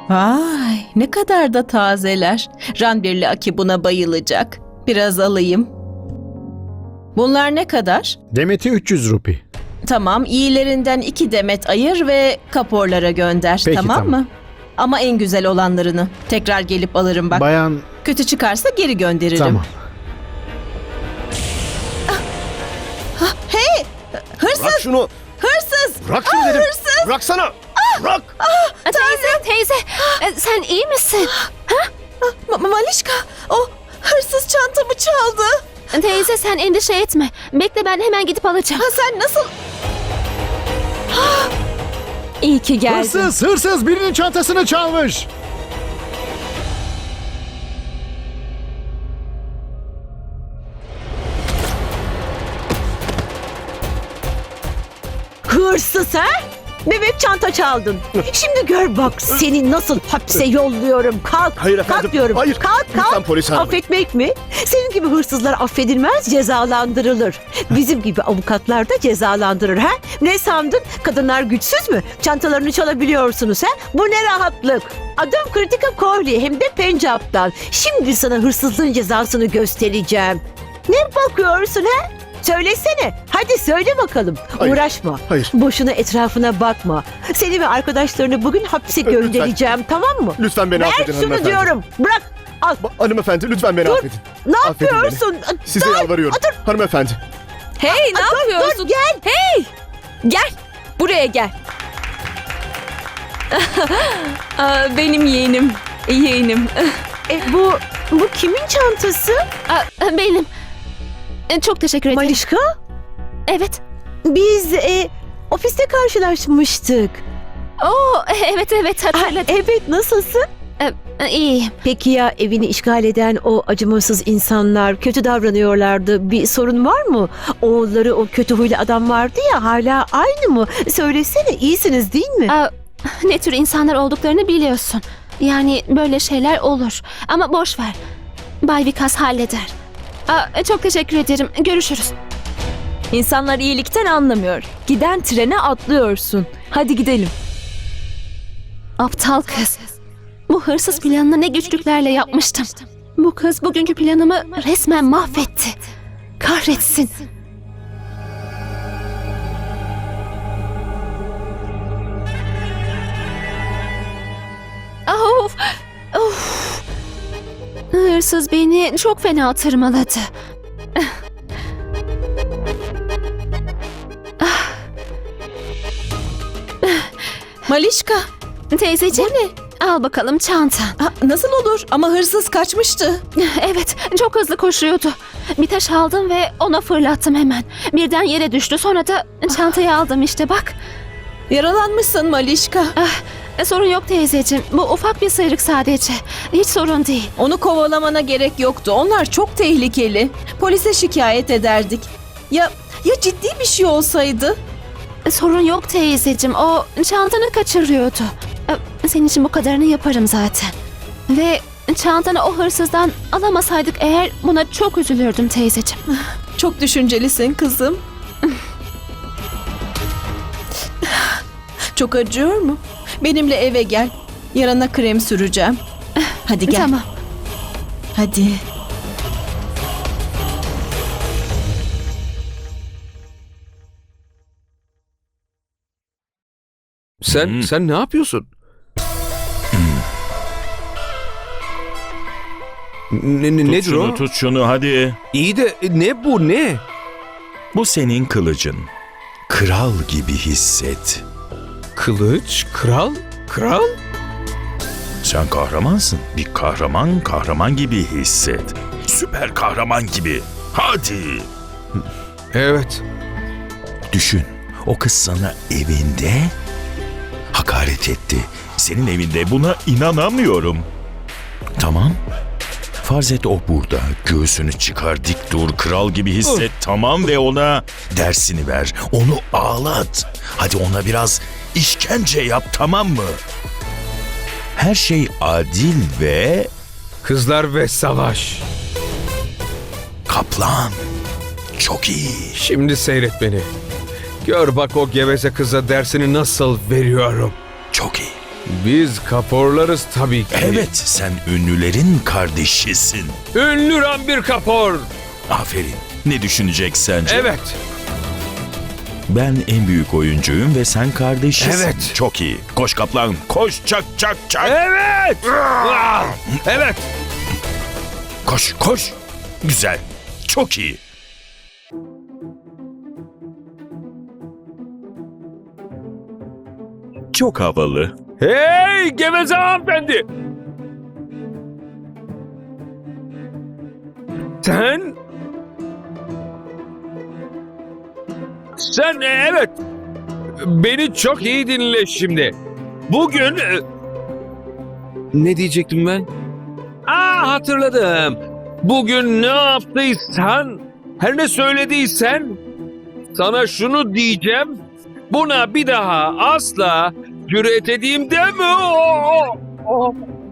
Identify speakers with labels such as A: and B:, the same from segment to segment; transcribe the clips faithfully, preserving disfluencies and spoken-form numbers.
A: Vay, ne kadar da tazeler. Ranbirli Aki buna bayılacak. Biraz alayım. Bunlar ne kadar?
B: Demeti üç yüz rupi.
A: Tamam, iyilerinden iki demet ayır ve kaporlara gönder.
B: Peki,
A: tamam,
B: tamam.
A: mı? Ama en güzel olanlarını. Tekrar gelip alırım bak.
B: Bayan...
A: Kötü çıkarsa geri gönderirim.
B: Tamam.
A: Hey! Hırsız!
C: Bırak şunu.
A: Hırsız!
C: Bırak şunu
A: Ah,
C: dedim.
A: hırsız!
C: Bıraksana. Bırak.
D: Teyze, teyze. E, Sen iyi misin?
A: Ma- Ma- Malişka! O hırsız çantamı çaldı.
D: Teyze sen endişe etme. Bekle ben hemen gidip alacağım.
A: Ha, sen nasıl...
D: İyi ki geldin.
B: Hırsız, hırsız birinin çantasını çalmış.
E: Hırsız ha? Bebek çanta çaldın. Şimdi gör bak seni nasıl hapse yolluyorum. Kalk,
C: Hayır efendim,
E: kalk diyorum.
C: hayır.
E: Kalk,
C: Lütfen
E: kalk.
C: polis hanım.
E: Affetmek mi? Senin gibi hırsızlar affedilmez, cezalandırılır. Bizim gibi avukatlar da cezalandırır ha? Ne sandın? Kadınlar güçsüz mü? Çantalarını çalabiliyorsunuz ha? Bu ne rahatlık. Adım Kritika Kohli hem de Pencap'tan. Şimdi sana hırsızlığın cezasını göstereceğim. Ne bakıyorsun ha? Söylesene. Hadi söyle bakalım.
C: Hayır,
E: Uğraşma.
C: hayır.
E: Boşuna etrafına bakma. Seni ve arkadaşlarını bugün hapse
C: Lütfen.
E: göndereceğim, tamam mı?
C: Lütfen beni
E: Ver
C: affedin
E: şunu
C: hanımefendi.
E: diyorum. Bırak. Al.
C: Ba- hanımefendi lütfen beni
E: Dur.
C: affedin.
E: Ne
C: Affedin
E: yapıyorsun?
C: Size
E: Dur.
C: yalvarıyorum.
E: Dur.
C: Hanımefendi.
D: Hey ne
E: Dur,
D: yapıyorsun?
E: dur, gel.
D: Hey! Gel. Buraya gel. Aa, benim yeğenim. Yeğenim.
E: E, bu bu kimin çantası?
D: Aa, benim. E, Çok teşekkür ederim.
E: Malişka?
D: Evet.
E: Biz e, ofiste karşılaşmıştık.
D: Oo, evet evet
E: Ha,
D: hatırladım.
E: evet, nasılsın?
D: E, İyiyim.
E: Peki ya evini işgal eden o acımasız insanlar kötü davranıyorlardı. Bir sorun var mı? Oğulları o kötü huylu adam vardı ya, hala aynı mı? Söylesene, iyisiniz değil mi?
D: Aa, ne tür insanlar olduklarını biliyorsun. Yani böyle şeyler olur. Ama boş ver. Bay Vikas halleder. Aa, çok teşekkür ederim. Görüşürüz.
F: İnsanlar iyilikten anlamıyor. Giden trene atlıyorsun. Hadi gidelim.
D: Aptal kız. Bu hırsız planını ne güçlüklerle yapmıştım. Bu kız bugünkü planımı resmen mahvetti. Kahretsin. Of! Of! Hırsız beni çok fena tırmaladı.
A: Malişka!
D: Teyzeciğim, al bakalım çantan.
A: Ha, nasıl olur? Ama hırsız kaçmıştı.
D: Evet, çok hızlı koşuyordu. Bir taş aldım ve ona fırlattım hemen. Birden yere düştü. Sonra da çantayı aldım işte bak.
A: Yaralanmışsın Malişka.
D: Ah, sorun yok teyzeciğim. Bu ufak bir sıyrık sadece. Hiç sorun değil.
A: Onu kovalamana gerek yoktu. Onlar çok tehlikeli. Polise şikayet ederdik. Ya ya ciddi bir şey olsaydı?
D: Sorun yok teyzeciğim. O çantanı kaçırıyordu. Ee, Senin için bu kadarını yaparım zaten. Ve çantanı o hırsızdan alamasaydık eğer buna çok üzülürdüm teyzeciğim.
A: Çok düşüncelisin kızım. Çok acıyor mu? Benimle eve gel. Yarana krem süreceğim. Hadi gel.
D: Tamam.
A: Hadi.
G: Sen sen ne yapıyorsun? Ne, ne,
H: Tut
G: nedir
H: şunu,
G: o?
H: tut şunu hadi.
G: İyi de e, ne bu ne?
H: Bu senin kılıcın. Kral gibi hisset.
G: Kılıç, kral, kral?
H: Sen kahramansın. Bir kahraman kahraman gibi hisset. Süper kahraman gibi. Hadi.
G: Evet.
H: Düşün. O kız sana evinde hakaret etti. Senin evinde buna inanamıyorum. Tamam. Farz et o burada. Göğsünü çıkar, dik dur, kral gibi hisset. Tamam ve ona dersini ver. Onu ağlat. Hadi ona biraz işkence yap, tamam mı? Her şey adil ve
G: Kızlar ve savaş.
H: kaplan. Çok iyi.
G: Şimdi seyret beni. Gör bak o geveze kıza dersini nasıl veriyorum.
H: Çok iyi.
G: Biz Kaporlarız tabii ki.
H: Evet, sen ünlülerin kardeşisin.
G: Ünlü Ranbir Kapor.
H: Aferin. Ne düşünecek sence?
G: Evet.
H: Ben en büyük oyuncuyum ve sen kardeşisin.
G: Evet.
H: Çok iyi. Koş kaplan, koş çak çak çak.
G: Evet. Ah! Evet.
H: Koş, koş. Güzel. Çok iyi. Çok havalı.
G: Hey geveze hanımefendi. Sen... Sen e, evet. Beni çok iyi dinle şimdi. Bugün... e, Ne diyecektim ben? Aa hatırladım. Bugün ne yaptıysan, her ne söylediysen sana şunu diyeceğim. Buna bir daha asla cüret edeyim deme. Oo, oo.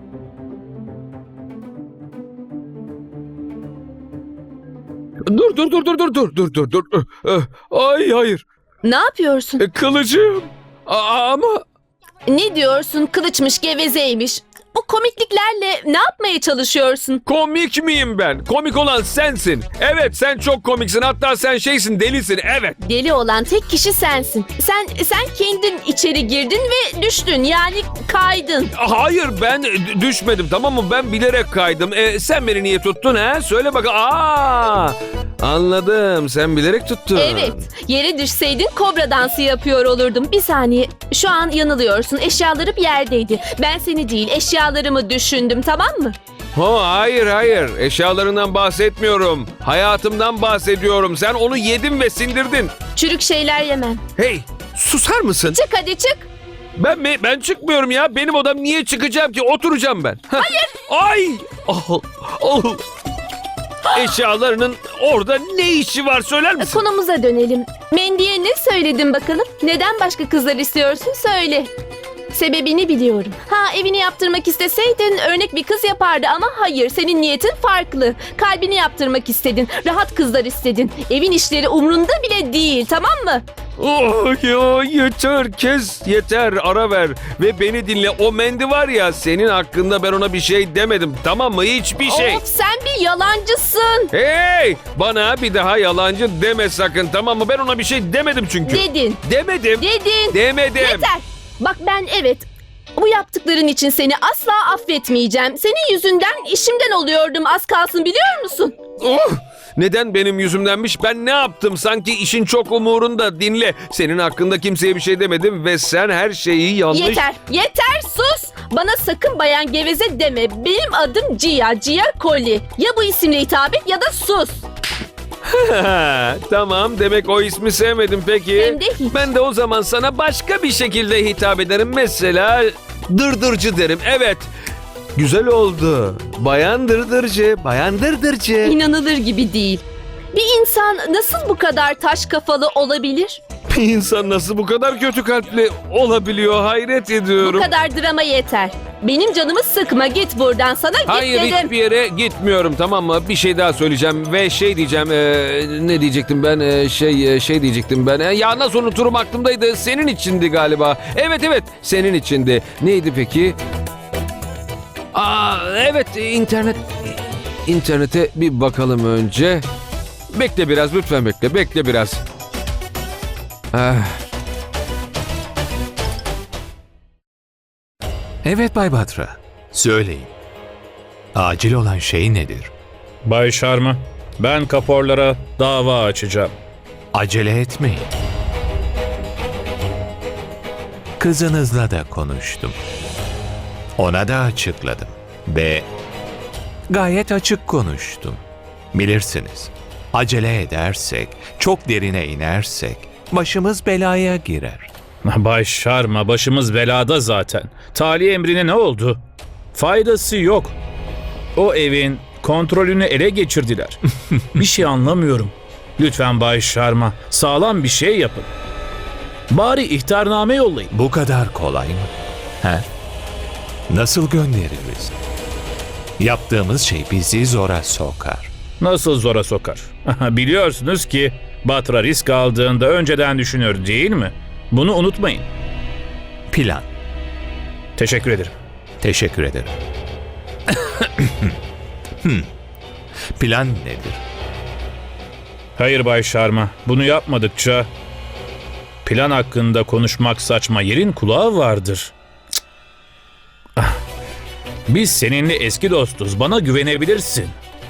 G: Dur dur dur dur dur dur dur dur dur. Eh, Ay hayır.
F: Ne yapıyorsun?
G: E, Kılıcım. A- ama
F: Ne diyorsun? Kılıçmış, gevezeymiş. Bu komikliklerle ne yapmaya çalışıyorsun?
G: komik miyim ben? Komik olan sensin. Evet sen çok komiksin. Hatta sen şeysin, delisin. Evet.
F: Deli olan tek kişi sensin. Sen sen kendin içeri girdin ve düştün. Yani kaydın.
G: Hayır ben d- düşmedim, tamam mı? Ben bilerek kaydım. E, sen beni niye tuttun ha? Söyle bakalım. Aa! Anladım. Sen bilerek tuttun.
F: Evet. Yere düşseydin kobra dansı yapıyor olurdum. Bir saniye. Şu an yanılıyorsun. Eşyalarım yerdeydi. Ben seni değil, eşyalarımı düşündüm, tamam mı?
G: Ha, hayır hayır. Eşyalarından bahsetmiyorum. Hayatımdan bahsediyorum. Sen onu yedin ve sindirdin.
F: Çürük şeyler yemem.
G: Hey, susar mısın?
F: Çık hadi çık.
G: Ben mi? Ben çıkmıyorum ya. Benim odam, niye çıkacağım ki? Oturacağım ben. Hayır. Ay. Oh, oh. Eşyalarının orada ne işi var söyler misin?
F: Konumuza dönelim. Mendy'e ne söyledin bakalım? Neden başka kızlar istiyorsun söyle. Sebebini biliyorum. Ha evini yaptırmak isteseydin örnek bir kız yapardı ama hayır senin niyetin farklı. Kalbini yaptırmak istedin. Rahat kızlar istedin. Evin işleri umrunda bile değil, tamam mı?
G: Oh ya yeter, kes, yeter, ara ver ve beni dinle. O Mendi var ya, senin hakkında ben ona bir şey demedim, tamam mı? Hiçbir şey.
F: Of sen bir yalancısın.
G: Hey, bana bir daha yalancı deme sakın, tamam mı? Ben ona bir şey demedim çünkü.
F: Dedin.
G: Demedim.
F: Dedin.
G: Demedim.
F: Yeter. Bak ben evet bu yaptıkların için seni asla affetmeyeceğim. Senin yüzünden işimden oluyordum az kalsın biliyor musun?
G: Oh! Neden benim yüzümdenmiş? Ben ne yaptım? Sanki işin çok umurunda. Dinle. Senin hakkında kimseye bir şey demedim ve sen her şeyi yanlış...
F: Yeter, yeter sus. Bana sakın bayan geveze deme. Benim adım Cia, Cia Koli. Ya bu isimle hitap et ya da sus.
G: Tamam, demek o ismi sevmedim peki.
F: Hem de hiç.
G: Ben de o zaman sana başka bir şekilde hitap ederim. Mesela dırdırcı derim. Evet. Güzel oldu. Bayan dırdırcı, bayan dırdırcı.
F: İnanılır gibi değil. Bir insan nasıl bu kadar taş kafalı olabilir?
G: Bir insan nasıl bu kadar kötü kalpli olabiliyor, hayret ediyorum.
F: Bu kadar drama yeter. Benim canımı sıkma, git buradan, sana git
G: Hayır,
F: dedim.
G: hiçbir yere gitmiyorum, tamam mı? Bir şey daha söyleyeceğim ve şey diyeceğim. eee, ne diyecektim ben? Eee, şey şey diyecektim ben. Eee, ya nasıl unuturum, aklımdaydı. Senin içindi galiba. Evet evet, senin içindi. Neydi peki? Aa evet, internet. İnternete bir bakalım önce. Bekle biraz, lütfen bekle. Bekle biraz. Ah.
I: Evet Bay Batra. Söyleyin. Acil olan şey nedir?
J: Bay Sharma, ben Kaporlara dava açacağım.
I: Acele etmeyin. Kızınızla da konuştum. Ona da açıkladım. Ve gayet açık konuştum. Bilirsiniz, acele edersek, çok derine inersek başımız belaya girer.
J: Bay Sharma, başımız belada zaten. Tali emrine ne oldu? Faydası yok. O evin kontrolünü ele geçirdiler. Bir şey anlamıyorum. Lütfen Bay Sharma, sağlam bir şey yapın. Bari ihtarname yollayın.
I: Bu kadar kolay mı? He? Nasıl göndeririz? Yaptığımız şey bizi zora sokar.
J: Nasıl zora sokar? Biliyorsunuz ki Batra risk aldığında önceden düşünür değil mi? Bunu unutmayın.
I: Plan.
J: Teşekkür ederim.
I: Teşekkür ederim. Hmm. Plan nedir?
J: Hayır Bay Sharma, bunu yapmadıkça plan hakkında konuşmak saçma, yerin kulağı vardır. Cık. Ah. Biz seninle eski dostuz, bana güvenebilirsin.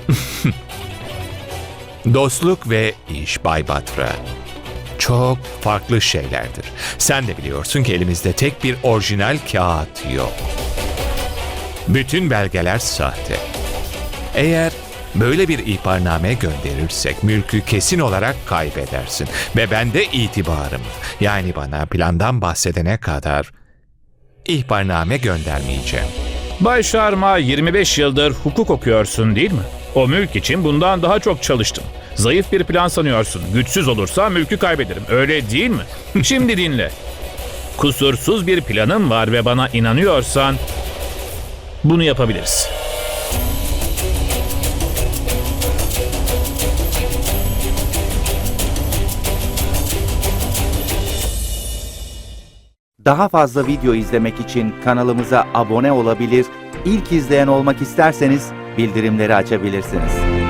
I: Dostluk ve iş Bay Batra çok farklı şeylerdir. Sen de biliyorsun ki elimizde tek bir orijinal kağıt yok. Bütün belgeler sahte. Eğer böyle bir ihbarname gönderirsek mülkü kesin olarak kaybedersin. Ve ben de itibarım, yani bana plandan bahsedene kadar ihbarname göndermeyeceğim.
J: Bay Sharma, yirmi beş yıldır hukuk okuyorsun değil mi? O mülk için bundan daha çok çalıştım. Zayıf bir plan sanıyorsun. Güçsüz olursa mülkü kaybederim. Öyle değil mi? Şimdi dinle. Kusursuz bir planım var ve bana inanıyorsan bunu yapabiliriz.
K: Daha fazla video izlemek için kanalımıza abone olabilir, ilk izleyen olmak isterseniz bildirimleri açabilirsiniz.